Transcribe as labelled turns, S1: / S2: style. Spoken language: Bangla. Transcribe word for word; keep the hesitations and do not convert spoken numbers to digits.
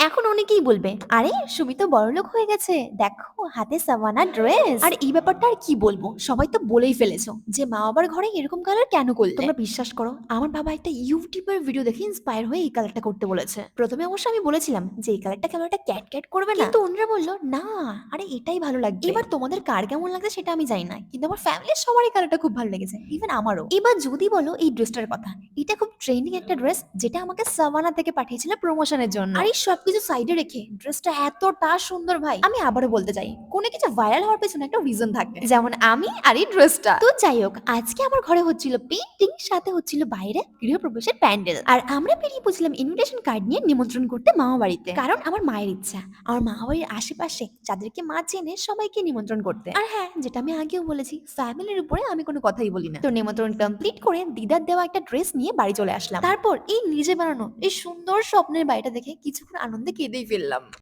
S1: এখন অনেকেই বলবে, আরে সুমি তো বড়লোক হয়ে গেছে, দেখো হাতে সাভানা ড্রেস। আর এই ব্যাপারটা আর কি বলবো, সবাই তো বলেই ফেলেছো যে মা বাবার ঘরে এরকম কালার কেন করলে। তোমরা বিশ্বাস করো, আমার বাবা একটা ইউটিউবের ভিডিও দেখে ইন্সপায়ার হয়ে এই কালারটা করতে বলেছে। প্রথমে অবশ্য আমি বলেছিলাম যে এই কালারটা কেন একটা ক্যাট ক্যাট করবে না, কিন্তু অন্যরা বললো না, আরে এটাই ভালো লাগবে। এবার তোমাদের কার কেমন লাগছে সেটা আমি জানি না, কিন্তু আমার ফ্যামিলির সবারই কালারটা খুব ভালো লেগেছে, ইভেন আমারও। এবার যদি বলো এই ড্রেসটার কথা, এটা খুব ট্রেন্ডিং একটা ড্রেস, যেটা আমাকে সাভানা থেকে পাঠিয়েছিল প্রমোশনের জন্য। আর এই সবকিছু সাইডে রেখে ড্রেসটা এতটা সুন্দর ভাই, আমি আবারও বলতে চাই কোনো কিছু ভাইরাল হওয়ার পেছনে একটা রিজন থাকে, যেমন আমি আর এই ড্রেসটা। তো যাই হোক, আজকে আমার ঘরে হচ্ছিল পেন্টিং, সাথে হচ্ছিল বাইরে গৃহপ্রবেশের প্যান্ডেল, আর আমরা বেরিয়ে পড়ছিলাম ইনভিটেশন কার্ড নিয়ে নিমন্ত্রণ করতে মামা বাড়িতে, কারণ আমার মায়ের ইচ্ছা আমার মামা বাড়ির আশেপাশে যাদেরকে মা চেনে সবাইকে নিমন্ত্রণ করতে। আর হ্যাঁ, যেটা আমি আগেও বলেছি, ফ্যামিলির উপরে আমি কোনো কথাই বলি না। তো নিমন্ত্রণ কমপ্লিট করে দিদার দেওয়া একটা ড্রেস নিয়ে বাড়ি চলে আসলাম। তারপর এই নিজে বানানো এই সুন্দর স্বপ্নের বাড়িটা দেখে কিছুক্ষণ আনন্দে কেঁদেই ফেললাম।